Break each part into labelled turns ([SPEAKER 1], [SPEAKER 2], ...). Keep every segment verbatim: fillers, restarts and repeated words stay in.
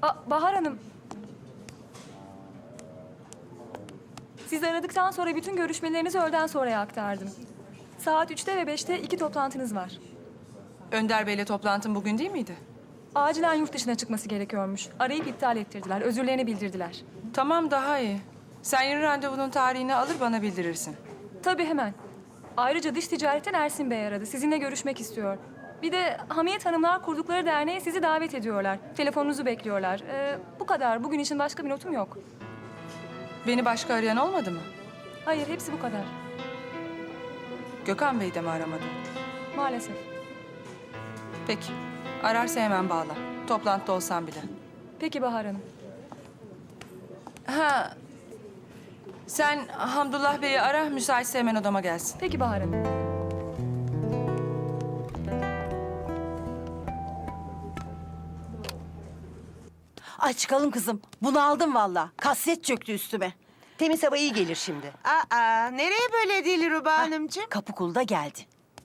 [SPEAKER 1] Aa, Bahar Hanım. Sizi aradıktan sonra bütün görüşmelerinizi öğleden sonraya aktardım. Saat üçte ve beşte iki toplantınız var.
[SPEAKER 2] Önder Bey'le toplantın bugün değil miydi?
[SPEAKER 1] Acilen yurt dışına çıkması gerekiyormuş. Arayıp iptal ettirdiler. Özürlerini bildirdiler.
[SPEAKER 2] Tamam, daha iyi. Sen yeni randevunun tarihini alır bana bildirirsin.
[SPEAKER 1] Tabii hemen. Ayrıca dış ticaretten Ersin Bey aradı. Sizinle görüşmek istiyor. Bir de Hamiyet Hanımlar kurdukları derneğe sizi davet ediyorlar. Telefonunuzu bekliyorlar. Ee, bu kadar. Bugün için başka bir notum yok.
[SPEAKER 2] Beni başka arayan olmadı mı?
[SPEAKER 1] Hayır, hepsi bu kadar.
[SPEAKER 2] Gökhan Bey de mi aramadı?
[SPEAKER 1] Maalesef.
[SPEAKER 2] Peki. Ararsa hemen bağla. Toplantıda olsam bile.
[SPEAKER 1] Peki Bahar Hanım.
[SPEAKER 2] Ha. Sen Hamdullah Bey'i ara, müsaitse hemen odama gelsin.
[SPEAKER 1] Peki Bahar Hanım.
[SPEAKER 3] Ay çıkalım kızım. Bunu aldım valla. Kasvet çöktü üstüme.
[SPEAKER 4] Temiz hava iyi gelir şimdi.
[SPEAKER 5] Aa, nereye böyle Dilruba Hanımcığım?
[SPEAKER 3] Kapıkulda geldi.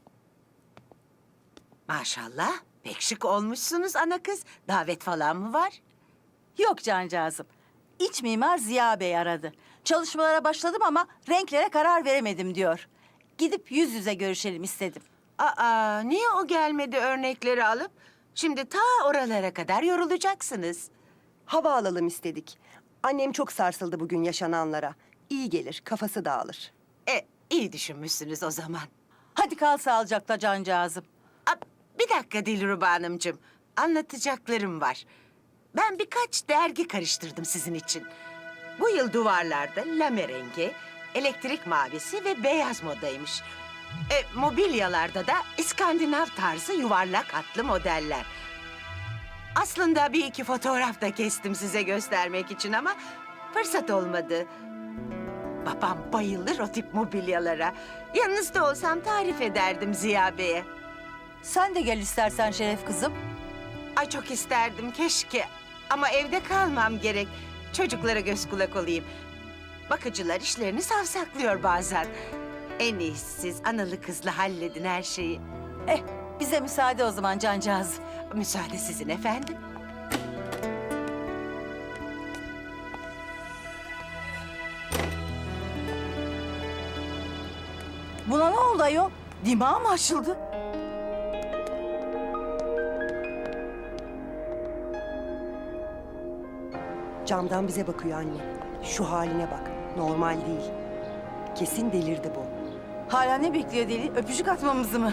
[SPEAKER 5] Maşallah, pek şık olmuşsunuz ana kız. Davet falan mı var?
[SPEAKER 3] Yok cancağızım. İç mimar Ziya Bey aradı. Çalışmalara başladım ama renklere karar veremedim diyor. Gidip yüz yüze görüşelim istedim.
[SPEAKER 5] Aa, niye o gelmedi örnekleri alıp? Şimdi ta oralara kadar yorulacaksınız.
[SPEAKER 4] Hava alalım istedik. Annem çok sarsıldı bugün yaşananlara. İyi gelir, kafası dağılır.
[SPEAKER 5] E, iyi düşünmüşsünüz o zaman.
[SPEAKER 3] Hadi kal sağlıcakla cancağızım.
[SPEAKER 5] Aa, bir dakika Dilruba Hanımcığım. Anlatacaklarım var. Ben birkaç dergi karıştırdım sizin için. Bu yıl duvarlarda lame rengi, elektrik mavisi ve beyaz modaymış. E, mobilyalarda da İskandinav tarzı yuvarlak hatlı modeller. Aslında bir iki fotoğraf da kestim size göstermek için ama fırsat olmadı. Babam bayılır o tip mobilyalara. Yanınızda olsam tarif ederdim Ziya Bey'e.
[SPEAKER 3] Sen de gel istersen Şeref kızım.
[SPEAKER 5] Ay çok isterdim keşke. Ama evde kalmam gerek. Çocuklara göz kulak olayım. Bakıcılar işlerini savsaklıyor bazen. En iyisi siz analı kızlı halledin her şeyi.
[SPEAKER 3] Eh bize müsaade o zaman cancağızım.
[SPEAKER 5] Müsaade sizin efendim.
[SPEAKER 3] Buna ne oldu ayol? Dimağı mı açıldı?
[SPEAKER 4] Camdan bize bakıyor anne. Şu haline bak. Normal değil. Kesin delirdi bu.
[SPEAKER 3] Hala ne bekliyor deli? Öpücük atmamızı mı?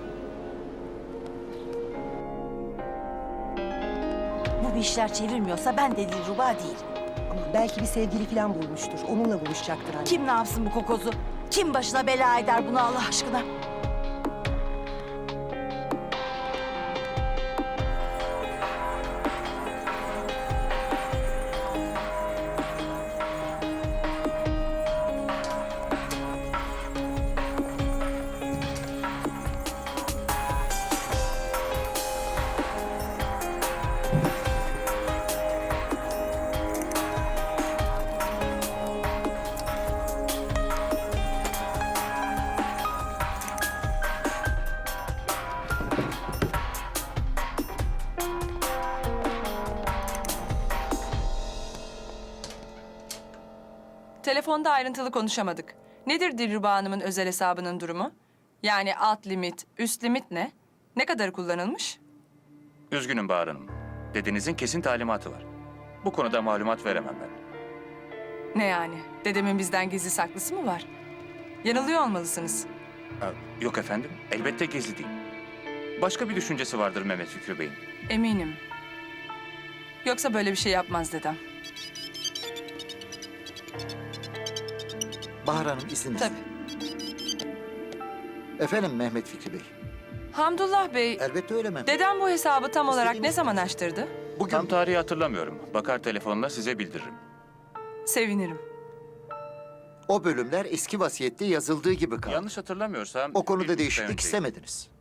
[SPEAKER 3] Bu bir işler çevirmiyorsa ben de Dilruba değil.
[SPEAKER 4] Ama belki bir sevgili falan bulmuştur. Onunla buluşacaktır anne.
[SPEAKER 3] Kim ne yapsın bu kokozu? Kim başına bela eder bunu Allah aşkına?
[SPEAKER 2] Telefonda ayrıntılı konuşamadık. Nedir Dilruba Hanım'ın özel hesabının durumu? Yani alt limit, üst limit ne? Ne kadar kullanılmış?
[SPEAKER 6] Üzgünüm Bahar Hanım. Dedenizin kesin talimatı var. Bu konuda malumat veremem ben.
[SPEAKER 2] Ne yani? Dedemin bizden gizli saklısı mı var? Yanılıyor olmalısınız.
[SPEAKER 6] Ha, yok efendim, elbette gizli değil. Başka bir düşüncesi vardır Mehmet Fikri Bey'in.
[SPEAKER 2] Eminim. Yoksa böyle bir şey yapmaz dedem.
[SPEAKER 7] Bahar Hanım izninizle.
[SPEAKER 2] Tabii.
[SPEAKER 7] Efendim Mehmet Fikri Bey.
[SPEAKER 2] Hamdullah Bey,
[SPEAKER 7] Elbette öyle Mehmet.
[SPEAKER 2] dedem bu hesabı tam olarak ne
[SPEAKER 7] İstediğiniz
[SPEAKER 2] zaman
[SPEAKER 7] gibi.
[SPEAKER 2] açtırdı?
[SPEAKER 7] Bugün
[SPEAKER 6] Tam tarihi hatırlamıyorum. Bakar telefonla size bildiririm.
[SPEAKER 2] Sevinirim.
[SPEAKER 7] o bölümler eski vasiyette yazıldığı gibi kaldı.
[SPEAKER 6] Yanlış hatırlamıyorsam...
[SPEAKER 7] O konuda
[SPEAKER 6] bir buçuk ay
[SPEAKER 7] değişiklik
[SPEAKER 6] önceydi.
[SPEAKER 7] istemediniz.